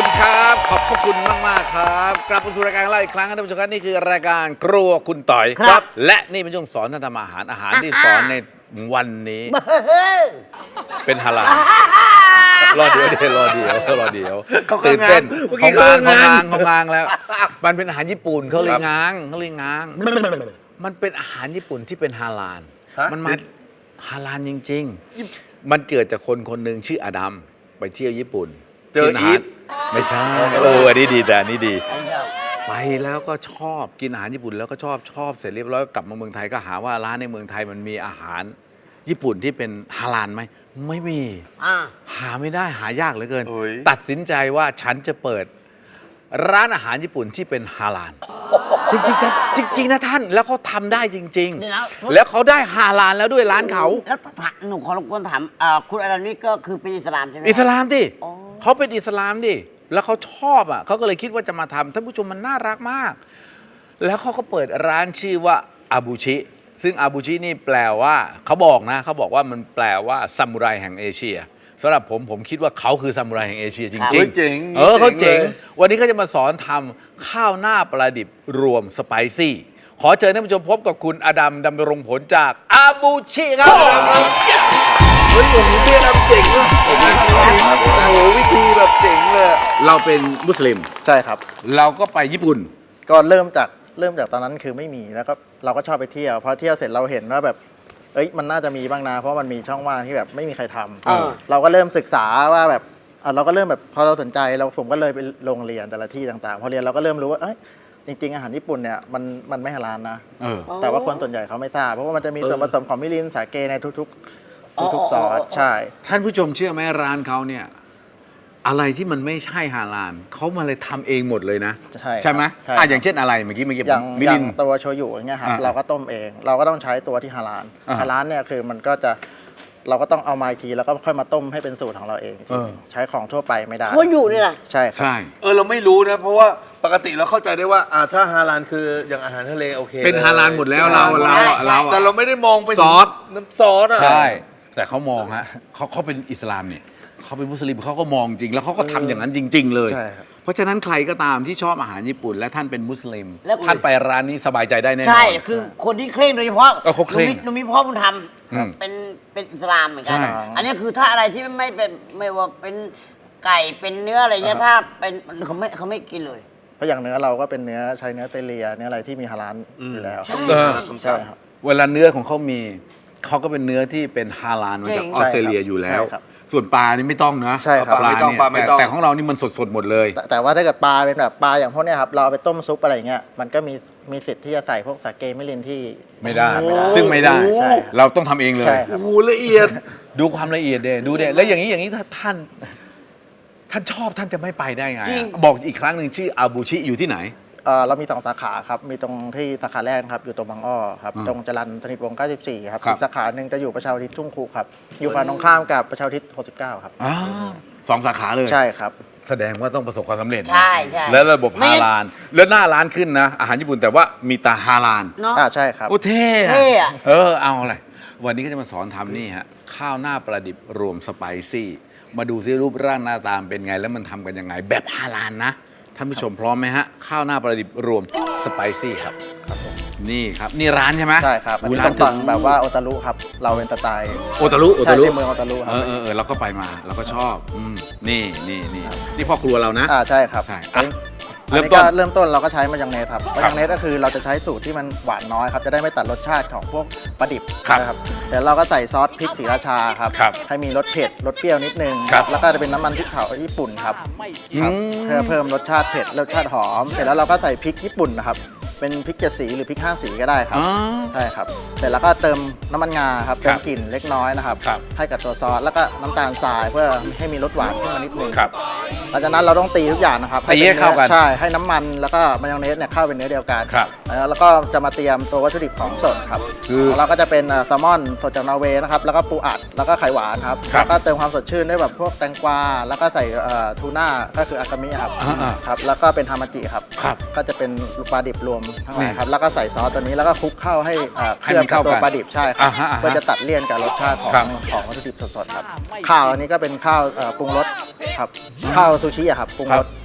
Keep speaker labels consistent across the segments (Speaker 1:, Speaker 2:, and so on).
Speaker 1: ครับขอบพระคุณมากๆครับกลับมาสู่รายการของเราอีกครั้งครับท่านผู้ชมครับนี่คือรายการครัวคุณต่อย
Speaker 2: ครับ
Speaker 1: และนี่เป็นช่วงสอนท่านทำอาหารที่สอนในวันนี้เป็นฮาลาลรอเดี๋ยวตื่นเต้นเขาง้างแล้วมันเป็นอาหารญี่ปุ่นเขาเลยง้างมันเป็นอาหารญี่ปุ่นที่เป็นฮาลาลมันมาฮาลาลจริงๆมันเกิดจากคนคนหนึ่งชื่ออดัมไปเที่ยวญี่ปุ่น
Speaker 3: เจออีฟ
Speaker 1: ไม่ใช่อันนี้ดีแต่อันนี้ดีไปแล้วก็ชอบกินอาหารญี่ปุ่นแล้วก็ชอบเสร็จเรียบร้อยกลับมาเมืองไทยก็หาว่าร้านในเมืองไทยมันมีอาหารญี่ปุ่นที่เป็นฮาลาลไหมไม่มีหาไม่ได้หายากเหลือเกินตัดสินใจว่าฉันจะเปิดร้านอาหารญี่ปุ่นที่เป็นฮาลาลจริงๆนะท่านแล้วเขาทำได้จริงๆแล้วเขาได้ฮาลาลแล้วด้วยร้านเขา
Speaker 2: แล้วหนูขอรบกวนถามคุณอารันนี่ก็คือเป็นอิสลามใช่ไหม
Speaker 1: อิสลามดิเขาเป็นอิสลามดิแล้วเขาชอบอ่ะเขาก็เลยคิดว่าจะมาทำท่านผู้ชมมันน่ารักมากแล้วเขาก็เปิดร้านชื่อว่าอาบูชิซึ่งอาบูชินี่แปลว่าเขาบอกว่ามันแปลว่าซามูไรแห่งเอเชียสำหรับผมคิดว่าเขาคือซามูไรแห่งเอเชียจริงๆเขาเจ๋งวันนี้เขาจะมาสอนทำข้าวหน้าปลาดิบรวมสไปซี่ขอเชิญท่านผู้ชมพบกับคุณอดัมดำรงผลจากอาบูชิครับ
Speaker 3: เฮ้ยผมเรียนเจ๋งเลยโอ้โหวิธีแบบเจ๋งเลย
Speaker 1: เราเป็นมุสลิม
Speaker 4: ใช่ครับ
Speaker 1: เราก็ไปญี่ปุ่น
Speaker 4: ก็เริ่มจากตอนนั้นคือไม่มีแล้วก็เราก็ชอบไปเที่ยวพอเที่ยวเสร็จเราเห็นว่าแบบมันน่าจะมีบ้างนะเพราะมันมีช่องว่างที่แบบไม่มีใครทำเราก็เริ่มศึกษาว่าแบบเราก็เริ่มแบบพอเราสนใจผมก็เลยไปโรงเรียนแต่ละที่ต่างๆพอเรียนเราก็เริ่มรู้ว่าจริงๆอาหารญี่ปุ่นเนี่ยมันไม่ฮาลาลนะแต่ว่าคนส่วนใหญ่เขาไม่ทราบเพราะว่ามันจะมีส่วนผสมของมิรินสาเกในทุกซอสใช่
Speaker 1: ท่านผู้ชมเชื่อไหมร้านเขาเนี่ยอะไรที่มันไม่ใช่ฮาลาลเขามาเลยทำเองหมดเลยนะใช่ไหมอย่างเช่นอะไรเมื่อกี้
Speaker 4: อย่างมิรินตัวโชยุอย่างเงี้ยครับเราก็ต้มเองเราก็ต้องใช้ตัวที่ฮาลาลเนี่ยคือมันก็จะเราก็ต้องเอามาอีกทีแล้วก็ค่อยมาต้มให้เป็นสูตรของเราเองใช้ของทั่วไปไม่ได้
Speaker 2: โชยุนี่แหละ
Speaker 4: ใช่ครับ
Speaker 3: เราไม่รู้นะเพราะว่าปกติเราเข้าใจได้ว่าถ้าฮาลาลคืออย่างอาหารทะเลโอเค
Speaker 1: เป็นฮาลาลหมดแล้วเรา
Speaker 3: แต่เราไม่ได้มองไป
Speaker 1: ซอส
Speaker 3: น้ำซอส
Speaker 1: ใช่แต่เขามองฮะเขาเป็นอิสลามเนี่ยเขาเป็นมุสลิมเขาก็มองจริงแล้วเขาก็ทำอย่างนั้นจริงๆเลยเพราะฉะนั้นใครก็ตามที่ชอบอาหารญี่ปุ่นและท่านเป็นมุสลิมท่านไปร้านนี้สบายใจได้แน่นอน
Speaker 2: ใช่คือคนที่เคร่งโดยเฉพาะ
Speaker 1: เขาเคร่ง
Speaker 2: หนูมีพ่อบุญธรรมเป็นอิสลามเหมือนกันอันนี้คือถ้าอะไรที่ไม่ว่าเป็นไก่เป็นเนื้ออะไรเงี้ยถ้าเป็นเขาไม่กินเลย
Speaker 4: เพราะอย่างเนื้อเราก็เป็นเนื้อใช้เนื้อเตเลียเนื้ออะไรที่มีฮาลาลอยู่แล้วใช่ครับ
Speaker 1: เวลาเนื้อของเขามีเขาก็เป็นเนื้อที่เป็นฮาลาลมาจากออสเตรเลียอยู่แล้วส่วนปลานี่ไม่ต้องนะ
Speaker 4: ใช่ครับ
Speaker 1: ปลาเนี่ยแต่ของเรานี่มันสดหมดเลย
Speaker 4: แต่ว่าถ้าเกิดปลาเป็นแบบปลาอย่างพวกนี้ครับเราเอาไปต้มซุปอะไรเงี้ยมันก็มีสิทธิ์ที่จะใส่พวกสาเกมิรินที่
Speaker 1: ไม่ได้ซึ่งไม่ได้เราต้องทำเองเลย
Speaker 3: โอ้โหละเอียด
Speaker 1: ดูความละเอียดดูเด็แล้วอย่างนี้ถ้าท่านชอบท่านจะไม่ไปได้ไงบอกอีกครั้งหนึ่งชื่ออาบูชิอยู่ที่ไหน
Speaker 4: เรามี2 สาขาครับมีตรงที่สาขาแรกครับอยู่ตรงบางอ้อครับตรงจรัญสนิทวงศ์94ครับอีกสาขาหนึ่งจะอยู่ประชาอุทิศทุ่งครูครับอยู่ฝั่งตรงข้ามกับประชาอุทิศ69ครับ
Speaker 1: 2 สาขาเลย
Speaker 4: ใช่ครับ
Speaker 1: แสดงว่าต้องประสบความสำเร็จ
Speaker 2: ใช่
Speaker 1: แล้วระบบฮาลาลแล้วหน้าร้านขึ้นนะอาหารญี่ปุ่นแต่ว่ามีตาฮาลาล
Speaker 4: ใช่ครับ
Speaker 1: โอ้เท่เอาอะไรวันนี้ก็จะมาสอนทำนี่ฮะข้าวหน้าปลาดิบรวมสไปซี่มาดูซิรูปร่างหน้าตาเป็นไงแล้วมันทำกันยังไงแบบฮาลาลนะท่านผู้ชมพร้อมไหมฮะข้าวหน้าปลาดิบรวมสไปซี่ครับนี่ครับนี่ร้านใช่ไหม
Speaker 4: ใช่ครับร้านถึงแบบว่าโอตารุครับเราเป็นสไตล์
Speaker 1: โอตารุ
Speaker 4: เมืองโอตารุครับ
Speaker 1: เราก็ไปมาเราก็ชอบนี่พ่อครัวเรานะ
Speaker 4: ใช่ครับเริ่มต้นเราก็ใช้มายองเนสครับมายองเนสก็คือเราจะใช้สูตรที่มันหวานน้อยครับจะได้ไม่ตัดรสชาติของพวกปลาดิบนะครับเดี๋ยวเราก็ใส่ซอสพริกศรีราชาครับให้มีรสเผ็ดรสเปรี้ยวนิดนึงแล้วก็จะเป็นน้ำมันพริกเผาญี่ปุ่นครับเพื่อเพิ่มรสชาติเผ็ดรสชาติหอมเสร็จแล้วเราก็ใส่พริกญี่ปุ่นนะครับเป็นพริก7 สีหรือพริก5 สีก็ได้ครับใช่ครับเสร็จแล้วก็เติมน้ำมันงาครับเติมกลิ่นเล็กน้อยนะครับให้กับตัวซอสแล้วก็น้ำตาลทรายเพื่อให้มีรสหวานขึ้นมานิดนึงหลังจากนั้นเราต้องตีทุกอย่างนะครับ
Speaker 1: ให้เข้ากัน
Speaker 4: ใช่ให้น้ำมันแล้วก็มายองเนสเนี่ยเข้าเป็นเนื้อเดียวกันแล้วก็จะมาเตรียมตัววัตถุดิบของสดครับเราก็จะเป็นแซลมอนสดจากนอร์เวย์นะครับแล้วก็ปูอัดแล้วก็ไข่หวานครับแล้วก็เติมความสดชื่นด้วยแบบพวกแตงกวาแล้วก็ใส่ทูน่าก็คืออากามิครับแล้วก็เป็นฮามาจิครับก็จะเป็นปลาดิบรวมทั้งหลายครับแล้วก็ใส่ซอสตัวนี้แล้วก็คลุกเข้าให้เคลือบกับตัวปลาดิบใช่ครับเพื่อจะตัดเลี่ยนกับรสชาติของวัตถุดิบสดๆครับข้าวอันนี้ก็เป็นข้าวปรุงรสครับข้าวซูชิครับปรุงรส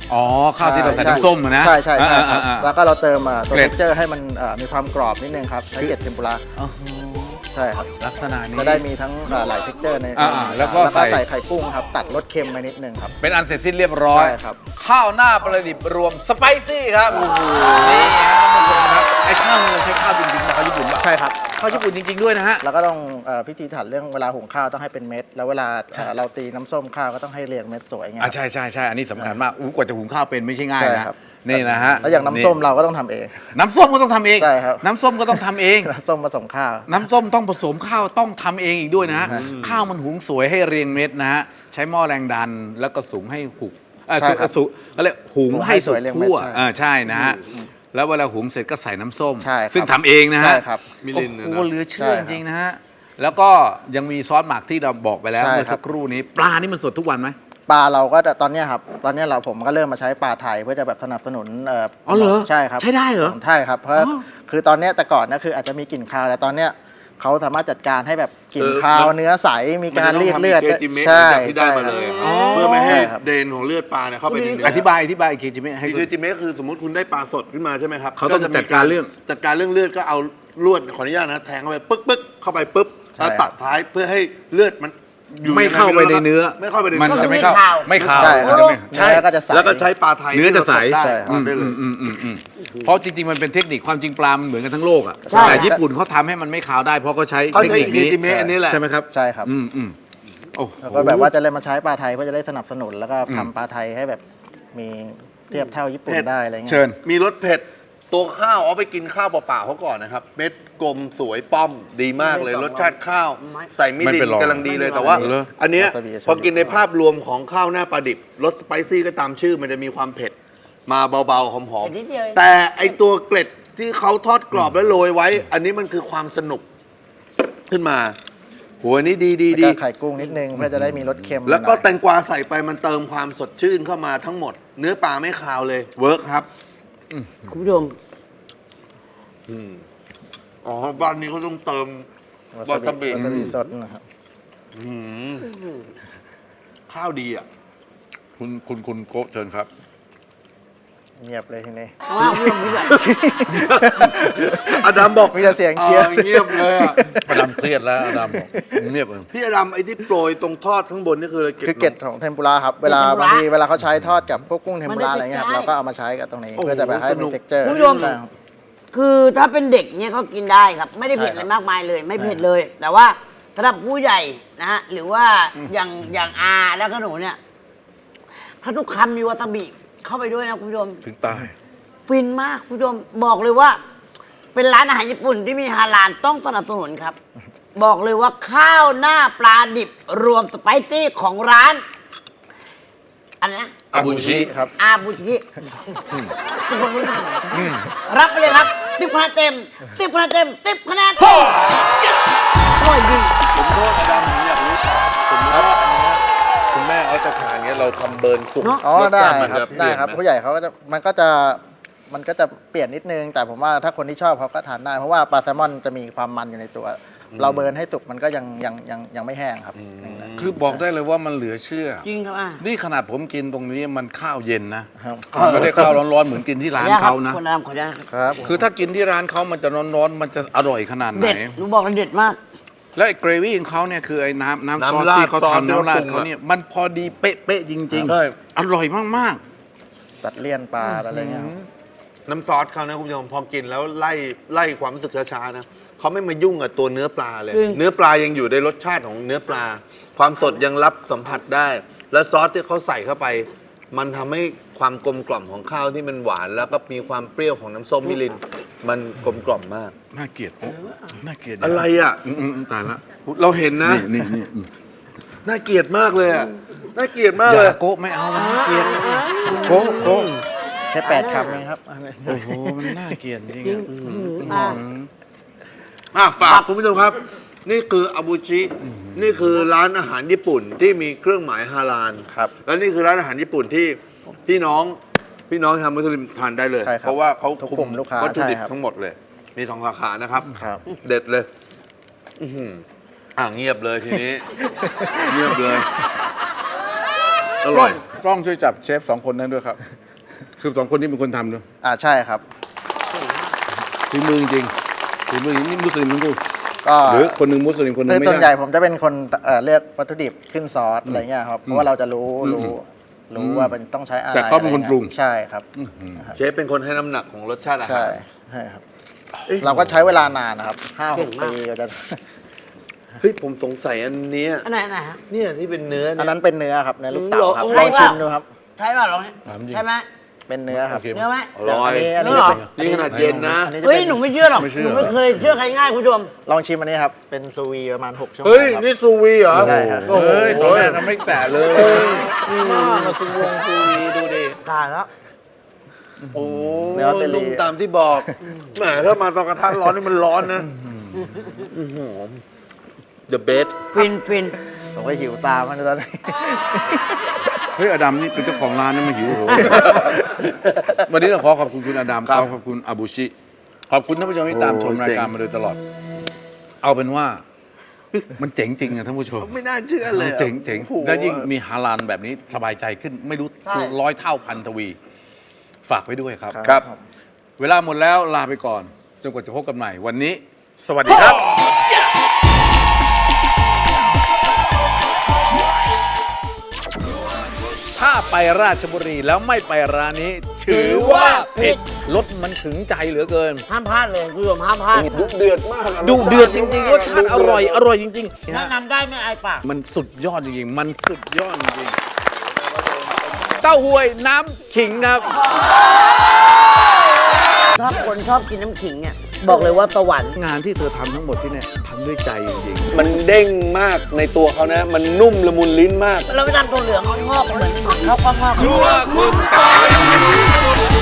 Speaker 1: อ๋อข้าวที่เราใส่น้ำส้มอะนะ
Speaker 4: ใช่ใช่ใช่ครับ
Speaker 1: อ่า
Speaker 4: แล้วก็เราเติมตัว
Speaker 1: เกล็ด
Speaker 4: เท็กเจอร์ให้มันมีความกรอบนิดนึงครับใช้เกล็ดเทมปุระ
Speaker 1: อ๋อ
Speaker 4: ใช่ครับ
Speaker 1: ลักษณะนี้
Speaker 4: จะได้มีทั้งหลายเท็กเจอร์ใน
Speaker 1: แล้วก็ใส่
Speaker 4: ใส่ไข่กุ้งครับตัดรสเค็มไปนิดนึงครับ
Speaker 1: เป็นอันเสร็จสิ้นเรียบร้อย
Speaker 4: ใช่ครับ
Speaker 1: ข้าวหน้าปลาดิบรวมสไปซี่ครับนี่ฮะท่านผู้ชมครับไอ้ข้าวนี่เราใช้ข้าวจริงๆนะข้าวญี่ปุ่นป่ะ
Speaker 4: ใช่ครับ
Speaker 1: ข้าวญี่ปุ่นจริง ๆด้วยนะฮะ
Speaker 4: แล้วก็ต้องพิธีถัดเรื่องเวลาหุงข้าวต้องให้เป็นเม็ด แล้วเวลาเราตีน้ำส้มข้าวก็ต้องให้เรียงเม็ดสวยไง
Speaker 1: ใช่ใช่ใช่อันนี้สำคัญมากกว่าจะหุงข้าวเป็นไม่ใช่ง่าย
Speaker 4: ใช่
Speaker 1: นะครับ นี่นะฮะ
Speaker 4: แล้วอย่างน้ำส้มเราก็ต้องทำเอง
Speaker 1: น้ำส้มก็ต้องทำเอง
Speaker 4: ใช่ครับ
Speaker 1: น้ำส้มก็ต้องทำเอง
Speaker 4: น้ำส้มผสมข้าว
Speaker 1: น้ำส้มต้องผสมข้าวต้องทำเองอีกด้วยนะฮะ
Speaker 4: ใช่
Speaker 1: ข้าวมันหุงสวยให้เรียงเม็ดนะฮะใช้หม้อแรงดันแล้วก็สุกให้หุก
Speaker 4: ใช่ครับ
Speaker 1: สุกก็เลยหุงให้สุก
Speaker 4: หุงให้สวยเรียงเม็ด
Speaker 1: ทั่ว
Speaker 4: ใช่
Speaker 1: ใช่นะฮะแล้วเวลาหุงเสร็จก็ใส่น้ำส้ม
Speaker 4: ใช่ครับ
Speaker 1: ซึ่งทำเองนะฮะ
Speaker 4: ใช่ครับ
Speaker 3: มิ
Speaker 1: โอ้
Speaker 3: ลินเนี่ย
Speaker 1: โห
Speaker 3: นะ
Speaker 1: เหลือเชื่อ
Speaker 4: ใช่
Speaker 1: จ
Speaker 4: ครับ
Speaker 1: ริงๆนะฮะแล้วก็ยังมีซอสหมักที่เราบอกไปแล้ว
Speaker 4: ใช่
Speaker 1: เมื่อ
Speaker 4: ครับ
Speaker 1: สักครู่นี้ปลานี่มันสดทุกวันไหม
Speaker 4: ปลาเราก็จะตอนเนี้ยครับตอนเนี้ยผมก็เริ่มมาใช้ปลาไทยเพื่อจะแบบสนับสนุน
Speaker 1: อ๋อเหรอ
Speaker 4: ใช่ครับ
Speaker 1: ใช้ได้เหรอ
Speaker 4: ใช่ครับเพราะ
Speaker 1: อ๋อ
Speaker 4: คือตอนเนี้ยแต่ก่อนนะคืออาจจะมีกลิ่นคาวแต่ตอนเนี้ยเขาสามารถจัดการให้แบบกลิ่นคาวเนื้อใสมีการเรียกเลือด
Speaker 3: มันจะต้องทำ engagement
Speaker 4: ใช่
Speaker 3: จากที่ได้มาเลย
Speaker 4: ใช่
Speaker 3: เพื่อไม่ให้
Speaker 4: ใช่ครับ
Speaker 3: เดนของเลือดปลาเนี่ยเข้าไปในเนื้
Speaker 1: อธิบายอีกทีจิเมให้
Speaker 3: อีเคจิเมะคือสมมติคุณได้ปลาสดขึ้นมาใช่ไหมครับ
Speaker 1: เขาต้อง
Speaker 3: จะมี
Speaker 1: จัดการเรื่อง
Speaker 3: จัดการเรื่องเลือดก็เอาลวดขออนุญาตนะแทงเข้าไปปึ๊กเข้าไปปุ๊บ
Speaker 4: ใช่
Speaker 3: แล้วตัดท้ายเพื่อให้เลือดมันอยู่
Speaker 1: ไม่เข้าไปในเนื้อ
Speaker 3: ไม่เข้าไปใน
Speaker 1: มัน
Speaker 3: เนื้อ
Speaker 1: จะไม่เข้าไม่ขาว
Speaker 4: ใช่ครับ
Speaker 1: มันจะไม่
Speaker 3: ใช่
Speaker 4: เนื้อก็จะใส
Speaker 3: แล้วก็ใช้ปลาไทย
Speaker 1: เนื้อจะใส
Speaker 3: ที่เรา
Speaker 4: ใช่
Speaker 3: ทำได้เลย
Speaker 1: เพราะจริงๆ มันเป็นเทคนิคความจริงปลา มันเหมือนกันทั้งโลกอ่ะ
Speaker 2: ใช่
Speaker 1: แต่ญี่ปุ่นเขาทำให้มันไม่ขาวได้เพราะเขาใช้
Speaker 3: เขา
Speaker 1: เทค
Speaker 3: ใช้
Speaker 1: นิคนี้
Speaker 3: อิจิเมะอันนี้แหละ
Speaker 1: ใช่ไหมครับ
Speaker 4: ใช่ครับ
Speaker 1: โอ้โห
Speaker 4: แล้วก็แบบว่าจะเลยมาใช้ปลาไทยเพื่อจะได้สนับสนุนแล้วก็ทำปลาไทยให้แบบมีเทียบเท่าญี่ปุ่น
Speaker 3: เผ็ด
Speaker 4: ได้อะไรเงี้ย
Speaker 1: เชิญ
Speaker 3: มีรสเผ็ดตัวข้าวเอาไปกินข้าวเปล่าๆเขาก่อนนะครับเม็ดกลมสวยป้อมดีมากเลยรสชาติข้าว ใส่มิ
Speaker 1: ไม่
Speaker 3: ริ
Speaker 1: เป็น
Speaker 3: น
Speaker 1: รอง
Speaker 3: กำลังดีเลยแต่ว่า
Speaker 1: เหรอ
Speaker 3: อันเนี้ยว
Speaker 4: าซาบิ
Speaker 3: พอกินในภาพรวมของข้าวหน้าปลาดิบรสสไปซี่ก็ตามชื่อมันจะมีความเผ็ดมาเบาๆหอม
Speaker 2: เผ็ดนิดเดียวเอง
Speaker 3: ๆแต่ไอตัวเกล็ดที่เขาทอดกรอบแล้วโรยไว้ อันนี้มันคือความสนุกขึ้นมาโหอันนี้ดี
Speaker 4: แล้วก็ไข่กุ้งนิดนึงเพื่อจะได้มีรสเค็ม
Speaker 3: แล้วก็
Speaker 4: หน่อย
Speaker 3: แตงกวาใส่ไปมันเติมความสดชื่นเข้ามาทั้งหมด เนื้อปลาไม่คาวเลยเวิร์กครับ
Speaker 2: คุณผู้ชม
Speaker 3: อ๋อบ้านนี้เขาต้องเติมวาซาบิ
Speaker 4: วาซาบิสดนะครับ
Speaker 3: อืมข้าวดีอ่ะ
Speaker 1: คุณโกะเชิญครับ
Speaker 4: เงียบเลยทีนี้
Speaker 2: เพราะว่าคุณผู้ชมไม่อยาก
Speaker 3: อดัมบอก
Speaker 4: มีแต่เสียงเครียด
Speaker 3: เงียบเลยอ่ะ
Speaker 1: อดัมเครียดแล้วอดัมบอกเงียบเลย
Speaker 3: พี่อดัมไอ้ที่โปรยตรงทอดข้างบนนี่คืออะไร
Speaker 4: คือเกล็ดของเทมปุระครับเวลาบางทีเวลาเขาใช้ทอดกับพวกกุ้งเทมปุระอะไรเงี้ยครับเราก็เอามาใช้กับตรงนี้เพื่อจะไปให้มีเท็กเจอร์
Speaker 2: คุณผู้ชม คือถ้าเป็นเด็กเนี่ยเขากินได้ครับ ไม่ได้เผ็ดอะไรมากมายเลย ไม่เผ็ดเลย แต่ว่าสำหรับผู้ใหญ่นะฮะหรือว่าอย่างอาแล้วก็หนูเนี่ยถ้าทุกคำมีวาซาบิเข้าไปด้วยนะคุณผู้ชม
Speaker 1: ถึงตาย
Speaker 2: ฟินมากคุณผู้ชมบอกเลยว่า เป็นร้านอาหารญี่ปุ่นที่มีฮาลาลต้องสนับสนุนครับ บอกเลยว่าข้าวหน้าปลาดิบรวมสไปซี่ของร้านอันนี้นะ
Speaker 1: อาบูชิ
Speaker 4: ครับ
Speaker 2: อาบุชิทุกคนรู้จักรับไปเลยครับ10 คะแนนเต็ม10 คะแนนเต็ม10 คะแนนเต็มอร่อยจริง
Speaker 3: ผมโทษอดัมผมอยากรู้ต่อสมมติว่าอันเนี้ยคุณแม่เขาจะทานเงี้ยเราทำเบิร์นสุก
Speaker 2: เนอะ
Speaker 4: อ๋อ
Speaker 3: ส
Speaker 4: ได้
Speaker 3: ชาติมัน
Speaker 4: ครับ
Speaker 3: จะเป
Speaker 4: ได้
Speaker 3: ลี่ยน
Speaker 4: ครับ
Speaker 3: ไหม
Speaker 4: ผู้ใหญ่เขาก็จะมันก็จะเปลี่ยนนิดนึง แต่ผมว่าถ้าคนที่ชอบเขาก็ทานได้ เพราะว่าปลาแซลมอนจะมีความมันอยู่ในตัว เราเบิร์นให้สุกมันก็ยังไม่แห้งครับ
Speaker 1: คือบอกได้เลยว่ามันเหลือเชื่อ
Speaker 2: จริงครับอ่ะ
Speaker 1: นี่ขนาดผมกินตรงนี้มันข้าวเย็นนะครับ มันไม่ได้ข้าวร้อนๆเหมือนกินที่ร้านเขานะ
Speaker 2: คนรำขออนุญาตครับ
Speaker 4: ครับ
Speaker 1: คือถ้ากินที่ร้านเขามันจะร้อนๆมันจะอร่อยขนาดไหน
Speaker 2: เด็ดหนูบอกเลยเด็ดมาก
Speaker 1: แล้วไอ้เกรวี่ของเขาเนี่ยคือไอ้น้ำซอส
Speaker 3: น้ำราด
Speaker 1: ที่เขา
Speaker 3: ซอส
Speaker 1: ทำน้ำราด
Speaker 3: ที่เขาปรุง
Speaker 1: เขาเนี่ยมันพอดีเป๊ะๆจริง
Speaker 3: ใช่
Speaker 1: ๆ อร่อยมาก
Speaker 4: ตัดเลี่ยนปลาอะไรเงี้ยครับ
Speaker 3: น้ำซอสเขานะคุณผู้ชมพอกินแล้วไล่ความรู้สึกช้าๆนะเขาไม่มายุ่งกับตัวเนื้อปลาเลย
Speaker 2: จริง
Speaker 3: เนื้อปลายังอยู่ในรสชาติของเนื้อปลา ความสดยังรับสัมผัสได้ และซอสที่เขาใส่เข้าไป มันทำให้ความกลมกล่อมของข้าวที่มันหวาน แล้วก็มีความเปรี้ยวของน้ำส้มมิริน มันกลมกล่อมมาก
Speaker 1: ๆ น่าเกลียดน่าเกลียด
Speaker 3: อะไรอ่ะ
Speaker 1: ตายละ
Speaker 3: เราเห็นนะ
Speaker 1: นี่
Speaker 3: น่าเกลียดมากเลยอ่ะน่าเกลียดมาก
Speaker 1: อ
Speaker 3: เลย
Speaker 1: ย่าโกะไม่เอามันน่าเกลียดโกะ
Speaker 4: แค่8 คำเองครับ
Speaker 1: โอ้โหมันน่าเกลียดจริงอะ
Speaker 3: ฝากคุณผู้ชมครับ นี่คืออาบูชิ นี่คือร้านอาหารญี่ปุ่นที่มีเครื่องหมายฮาลาล
Speaker 4: ครับ
Speaker 3: และนี่คือร้านอาหารญี่ปุ่นที่พี่น้องชาวมุสลิมทานได้เลย
Speaker 4: ใช่ครับ
Speaker 3: เพราะว่าเขา
Speaker 4: ทุก
Speaker 3: คุ
Speaker 4: กลุ่
Speaker 3: ม
Speaker 4: มลูกค้า
Speaker 3: วัตถุดิบ
Speaker 4: ใช่ครับ
Speaker 3: ทั้งหมดเลย มี2 สาขานะครับ
Speaker 4: ครับ
Speaker 3: เด็ดเลย อื้อหือเงียบเลยทีนี้ เงียบเลย อร่อย
Speaker 1: กล้องช่วยจับเชฟ2 คนนั้นด้วยครับ คือ2 คนนี้เป็นคนทำด้วย
Speaker 4: ใช่ครับ
Speaker 1: ฝีมือจริงๆฝีมือนี่มุสลิมทั้งคู่
Speaker 4: ก็
Speaker 1: หรือคนหนึ่งมุสลิมคนหนึ่
Speaker 4: คื
Speaker 1: ง
Speaker 4: อ
Speaker 1: ไม่
Speaker 4: ส่วนใหญ่
Speaker 1: ใช่
Speaker 4: ผมจะเป็นคนเลือกวัตถุดิบขึ้นซอสอะไรเงี้ยครับเพราะว่าเราจะรู้ว่ามันต้องใช้อะไร
Speaker 1: แต่เขาเป็นคนปรุง
Speaker 4: ใช่ครับ
Speaker 3: เชฟเป็นคนให้น้ำหนักของรสชาติอาหา
Speaker 4: ใช่
Speaker 3: ร
Speaker 4: ใช่ครับ เราก็ใช้เวลานานนะครับ
Speaker 2: เก่ง
Speaker 4: 5-6
Speaker 2: มาก
Speaker 4: ปีก็จะ
Speaker 3: เฮ้ยผมสงสัยอันเนี้ย
Speaker 2: อันไหนอันไหนฮะ
Speaker 3: เนี่ยที่เป็นเนื้อ
Speaker 4: อัน
Speaker 3: เนี่ย
Speaker 4: นั้นเป็นเนื้อครับเนื้อลูกเต๋าครับ
Speaker 2: เหรอ
Speaker 4: ลองชิมดูครับ
Speaker 2: ใช่ป่ะลองเนี่ย
Speaker 1: ถามจริง
Speaker 2: ใช่ไหม
Speaker 4: เป็นเนื้อครับ
Speaker 1: โอเค
Speaker 2: เนื้อไหม
Speaker 3: อร่อย
Speaker 4: อันนี้
Speaker 2: เนื้อเหรอ
Speaker 3: นี่ขนาดเย็นนะ
Speaker 4: อันนี้จะ
Speaker 2: เฮ้ย
Speaker 4: เป็น
Speaker 2: หนูไม่เชื่อหรอก
Speaker 1: ไม่เชื่
Speaker 2: ห
Speaker 1: อ
Speaker 2: นูไม่เคยเชื่อใครง่ายคุณผู้ชม
Speaker 4: ลองชิมอันนี้ครับ เป็นซูวีประมาณ 6 ชั่วโมง
Speaker 3: เฮ้ย
Speaker 4: ครับ
Speaker 3: นี่ซูวีเหรอ
Speaker 4: ใช่ครับ
Speaker 3: โอ้โห
Speaker 1: เฮ้ยตอนแรกเราไม่แตะเลย
Speaker 3: มาซูวงซูวีดูดิ
Speaker 2: ตายแล้ว
Speaker 3: โอ้
Speaker 4: เนื้อเตลี
Speaker 3: นุ่มตามที่บอกแหมถ้ามาตอนกระทะร้อนนี่มันร้อนนะThe best
Speaker 2: ฟินฟิน
Speaker 4: ผมก็หิวตามมันตอนนี้
Speaker 1: เฮ้ยอดัมนี่เป็นเจ้าของร้านนะมาหิวโหยวันนี้ต้องขอขอบคุณคุณอดัม
Speaker 3: ครับ
Speaker 1: ขอบคุณอาบูชิ ขอบคุณท่านผู้ชมที่ตามชม
Speaker 3: โอ้
Speaker 1: รายการ
Speaker 3: เจ๋ง
Speaker 1: มาโดยตลอด เอาเป็นว่า มันเจ๋งจริงอะท่านผู้ชม
Speaker 3: ไม่น่าเชื่อเลยอะ
Speaker 1: เจ๋งเจ๋ง
Speaker 3: โอ้โห
Speaker 1: แล้วยิ่งมีฮาลาลแบบนี้สบายใจขึ้นไม่รู้
Speaker 2: ใช่
Speaker 1: 100 เท่าพันทวี ฝากไว้ด้วยครับ
Speaker 3: ครับ
Speaker 1: เวลาหมดแล้วลาไปก่อน จนกว่าจะพบกันใหม่วันนี้ สวัสดีครับ ถ้าไปราชบุรีแล้วไม่ไปร้านนี้ ถือว่าผิดรสมันถึงใจเหลือเกิน
Speaker 2: ห้ามพลาดเลยคุณผู้ชมห้ามพลาด
Speaker 3: ดุเดือดมากะ
Speaker 1: ดูเดือดจริงๆรสชาติอร่อยอร่อยจริงๆ
Speaker 2: แนะนำได้ไม่อายปาก
Speaker 1: มันสุดยอดจริงๆ มันสุดยอดจริงๆเต้าหวยน้ำขิงครับ
Speaker 2: ถ้าคนชอบกินน้ำขิงเนี่ยบอกเลยว่าสวรรค์
Speaker 1: งานที่เธอทำทั้งหมดที่เนี่ยทำด้วยใจจริง
Speaker 3: มันเด้งมากในตัวเขานะ มันนุ่มละมุนลิ้นมาก
Speaker 2: เราไปทำตัวเหลืองเขางอกเหมือนเขาก็งอก
Speaker 1: ๆครัวคุณปอย